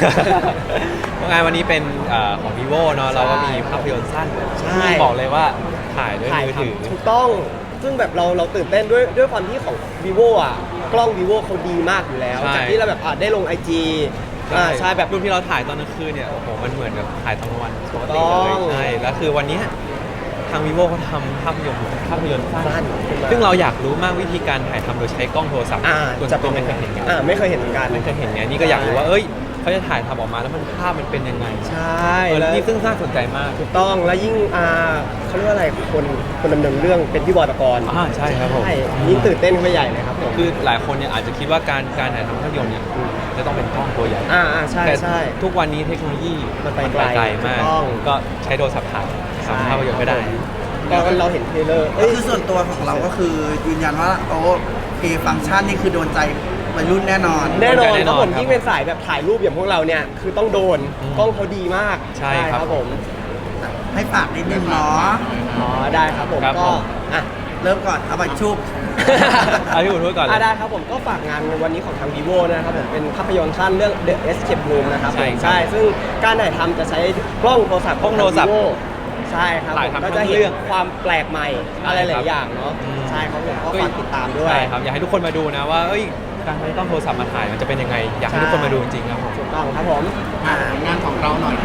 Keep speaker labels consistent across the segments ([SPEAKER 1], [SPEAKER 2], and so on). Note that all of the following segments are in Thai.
[SPEAKER 1] งานวันนี้เป็นของ vivo เนาะเราก็มีภาพยนตร์สั้นที่บอกเลยว่าถ่ายด้วยมือถือ
[SPEAKER 2] ถูกต้องซึ่งแบบเราตื่นเต้นด้วยความที่ของ vivo อ่ะกล้อง vivo เขาดีมากอยู่แล้วจากที่เราแบบได้ลง IG ใช่แบบ
[SPEAKER 1] รูปที่เราถ่ายตอนกลางคืนเนี่ยโอ้โหมันเหมือนกับถ่ายตอนกลางวันปกติเลยใช่แล้วคือวันนี้ทาง vivo เขาทำภาพยนตร์สั้นซึ่งเราอยากรู้มากวิธีการถ่ายทำโดยใช้กล้องโทรศัพท์ตัวไม่เคยเห็นกัน
[SPEAKER 2] ไม่เคยเห็นเหมือนกัน
[SPEAKER 1] นี่ก็อยากรู้ว่าเขาจะถ่ายทำออกมาแล้วมันภาพมันเป็นยังไง
[SPEAKER 2] ใช่
[SPEAKER 1] แล้วนี่ซึ่งน่าสนใจมาก
[SPEAKER 2] ถูกต้องแล้วยิ่งเขาเรียกว่าอะไรคนดำเนินเรื่องเป็นพี่บอยปกรณ์
[SPEAKER 1] ใช่ครับผม
[SPEAKER 2] ยิ่งตื่นเต้นขึ้นไปใหญ่เลยครับผม
[SPEAKER 1] คือหลายคนเนี่ยอาจจะคิดว่าการถ่ายทำภาพยนตร์เนี่ยจะต้องเป็นกล้องตัวใหญ่
[SPEAKER 2] ใช่ใช่
[SPEAKER 1] ทุกวันนี้เทคโนโลยี
[SPEAKER 2] มันไป
[SPEAKER 1] ไกลมากก็ใช้โทรศัพท์ถ่ายทำภาพยนตร์ก็ได้
[SPEAKER 2] ก็เราเห็นเทเลอร์
[SPEAKER 3] คือส่วนตัวของเราก็คือยืนยันว่าฟังก์ชันนี่คือโดนใจวัยรุ่นแน่นอน
[SPEAKER 2] ครับผมยิ่งเป็นสายแบบถ่ายรูปอย่างพวกเราเนี่ยคือต้องโดนกล้องเขาดีมาก
[SPEAKER 1] ใช่ครับ
[SPEAKER 2] ผม
[SPEAKER 3] ให้ฝากนิดนึงเนาะ
[SPEAKER 2] ได้ครับผมก็
[SPEAKER 3] เริ่มก่อนเอาไปชุบ
[SPEAKER 1] พี่บุญพูดก่อน
[SPEAKER 2] ได้ครับผมก็ฝากงานวันนี้ของทาง vivo นะครับผมเป็นภาพยนตร์สั้นเรื่อง The Escape Room นะครับใช่ซึ่งการถ่ายทำจะใช้กล้องโทรศัพท์ใช่ครับก็จะเห็นความแปลกใหม่อะไรหลายอย่างเนาะใช่ครับผมก็ฝากติดตามด้วย
[SPEAKER 1] ใช่ครับอยากให้ทุกคนมาดูนะว่าการใช้กล้องโทรศัพท์มาถ่ายมันจะเป็นยังไงอยากให้ทุกคนมาดูจริงๆครับผม
[SPEAKER 2] ถูกต้องครับผม
[SPEAKER 4] งานของเราหน่อย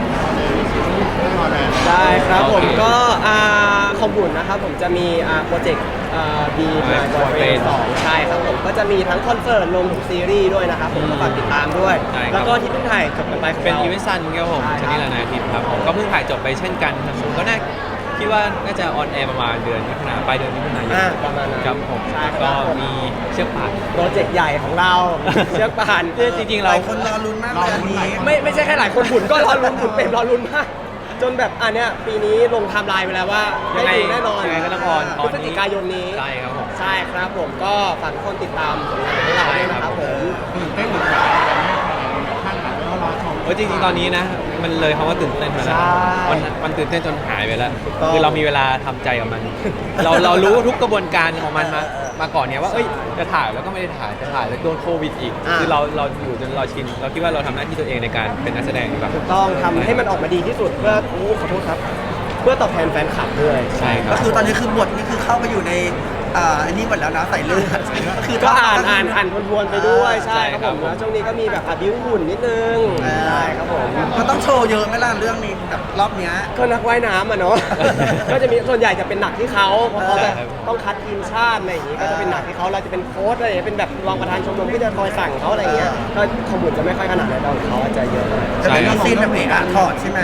[SPEAKER 2] ได้ครับผมก็ของบุญนะครับผมจะมีโปรเจกต์บีมาบอยเฟรน2ใช่ครับผมก็จะมีทั้งคอนเสิร์ตรวมถึงซีรีส์ด้วยนะครับผมก็ฝากติดตามด้วยแล้วก็ที่เพิ่งถ่ายจบกันไป
[SPEAKER 1] เป็นอีเวนต์ซันครับผมชนิดละนาทิตย์ครับผมก็เพิ่งถ่ายจบไปเช่นกันครับผมก็คิดว่าน่าจะออนแอร์ประมาณเดือนมิถุนายนปลายเดือนมิถุนายน
[SPEAKER 2] ประมาณนั้น
[SPEAKER 1] ครับผมก็มีเชือกป่าน
[SPEAKER 2] โปรเจกต์ใหญ่ของเราเชือกป่าน
[SPEAKER 1] จริงๆเรา
[SPEAKER 3] คนรอลุ้นมากเลยนี้
[SPEAKER 2] ไม่ใช่แค่หลายคนบุญก็รอลุ้นบุญเป็นรอลุ้นมากจนแบบเนี้ยปีนี้ลงไทม์ไลน์ไปแล้วว่าได้ดูแน่นอน
[SPEAKER 1] ยังไงก็ต้องออน
[SPEAKER 2] พฤศจิกายนนี้
[SPEAKER 1] ใช่ครับผม
[SPEAKER 2] ใช่ครับผมก็ฝากทุกคนติดตามผลงานของเราด้วยนะครับผม
[SPEAKER 4] เต้นหรือเปล่าท่านหลังก็รอชม
[SPEAKER 1] จริงๆตอนนี้นะมันเลยคำว่าตื่นเต้นมาแล้วมันตื่นเต้นจนหายไปแล้วคือเรามีเวลาทำใจกับมันเรารู้ทุกกระบวนการของมันมาก่อนเนี่ยว่าจะถ่ายแล้วก็ไม่ได้ถ่ายจะถ่ายแล้วโดนโควิดอีกคือเราอยู่จนเราชินเราคิดว่าเราทำหน้าที่ตัวเองในการเป็นนักแสดงแบบ
[SPEAKER 2] ถูกต้องทำให้มันออกมาดีที่สุดเพื่อขอโทษครับเพื่อตอบแทนแฟนคลับด้วย
[SPEAKER 1] ใช่ครับ
[SPEAKER 3] ก็คือตอนนี้คือบทนี่คือเข้าไปอยู่ในอันนี้หมดแล้วนะใส่เลือด
[SPEAKER 2] คือก็อ่านทวนๆไปด้วยใช่ครับผมแล้วช่วงนี้ก็มีแบบบิ้วหุ่นนิดนึงใช่ครับผม
[SPEAKER 3] มันต้องโชว์เยอะไหมล่ะเรื่องนี้แบบรอบเนี้ย
[SPEAKER 2] ก็นักว่ายน้ำเนาะก็จะมีส่วนใหญ่จะเป็นหนักที่เขาเพราะเขาแบบต้องคัดทีมชาติอะไรอย่างงี้ก็จะเป็นหนักที่เขาเราจะเป็นโค้ชอะไรเป็นแบบรองประธานชมรมที่จะคอยสั่งเขาอะไรเงี้ยก็ขบุญจะไม่ค่อยขนาดนั้นเขาจะเยอะ
[SPEAKER 3] จะเป็นซีนแบบถอดใช่ไหม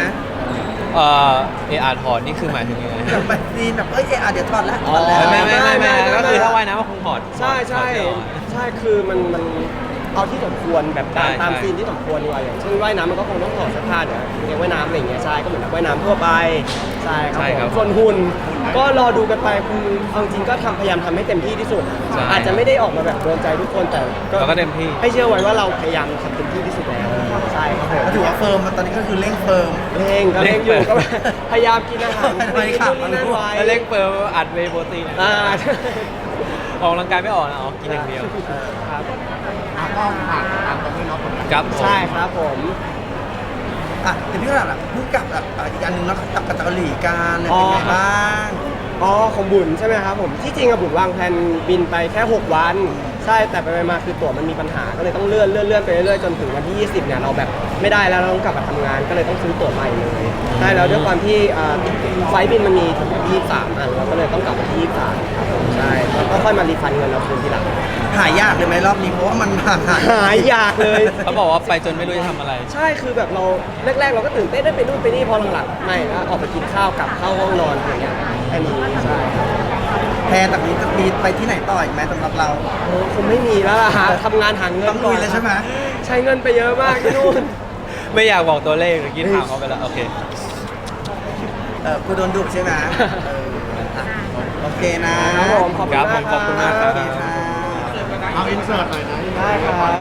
[SPEAKER 1] ถอดนี่คือหมายถึงยังไง
[SPEAKER 3] แบบซีนแบบเดี๋ยวถอดแล้ว
[SPEAKER 1] ไม่ก็คือถ้าว่ายน้ำก็คงถอด
[SPEAKER 2] ใช่คือมันเอาที่สมควรแบบตามซีนที่สมควรดีกว่าอย่างเช่นว่ายน้ำมันก็คงต้องถอดเสื้อผ้าเดี๋ยวเรียกว่ายน้ำอะไรอย่างเงี้ยใช่ก็เหมือนว่ายน้ำทั่วไปใช่ครับส่วนหุ่นก็รอดูกันไปคือเอาจริงก็พยายามทำให้เต็มที่ที่สุดอาจจะไม่ได้ออกมาแบบโดนใจทุกคนแต่
[SPEAKER 1] ก็เต็มที่
[SPEAKER 2] ให้เชื่อไว้ว่าเราพยายามทำเต็มที่ที่สุดแล้วใช่ครับ
[SPEAKER 3] ก็ถือว่าเฟิร์มตอนนี้ก็คือเร่งเฟิร์ม
[SPEAKER 2] เร่งอยู่ก็พยายามกินอาหาร
[SPEAKER 1] นั่นไว้เร่งเฟิร์มอัดเวย์โปรตีนออกกำลังกายไม่ออกนะกินอย่างเดียว
[SPEAKER 2] ครับ
[SPEAKER 4] ก็ผ่านตามตรงนี้เนาะ
[SPEAKER 1] ครับ
[SPEAKER 2] ใช่ครับผม
[SPEAKER 3] แต่พี่ก็แบบพูดกับอีกอันหนึ่งเนาะกับเกาหลีกันเป็นไงบ้าง
[SPEAKER 2] ของบุญใช่ไหมครับผมที่จริงบุญวางแผนบินไปแค่6วันใช่แต่ไปมาคือตั๋วมันมีปัญหาก็เลยต้องเลื่อนไปเรื่อยๆจนถึงวันที่20เนี่ยเราแบบไม่ได้แล้วเราต้องกลับมาทำงานก็เลยต้องซื้อตั๋วใหม่เลยใช่แล้วด้วยความที่ไฟล์บินมันมีถึง23อันเราก็เลยต้องกลับมาที่23ครับผมใช่แล้วก็ค่อยมารีฟันเงินเราคืนทีหลัง
[SPEAKER 3] หายากเลยไหมรอบนี้เพราะว่ามัน
[SPEAKER 2] หายากเลย
[SPEAKER 1] เขาบอกว่าไปจนไม่รู้จะทำอะไร
[SPEAKER 2] ใช่คือแบบเราแรกๆเราก็ตื่นเต้นได้ไปนู่นไปนี่พอหลังๆไม่แล้วออกไปกินข้าวกลับเข้าห้องนอนอย่างเงี้ยแค่นี้ใช่
[SPEAKER 3] แพรจากนี้จะมีไปที่ไหนต่ออีกไหมสำหรับเรา
[SPEAKER 2] คงไม่มีแล้วล่ะทำงานหาเงิน
[SPEAKER 3] ต้องลุยเลยใช่ไหม
[SPEAKER 2] ใช้เงินไปเยอะมากที่นู่น
[SPEAKER 1] ไม่อยากบอกตัวเลขเมื่อกี้ถามเขาไปแล้วโอเค
[SPEAKER 3] กูโดนดุใช่ไหมโอเคนะครับ
[SPEAKER 2] ผมขอบคุณมาก
[SPEAKER 1] ครับ
[SPEAKER 4] เอาอินเสิร์ตหน่อยนะ
[SPEAKER 2] ได้ครับ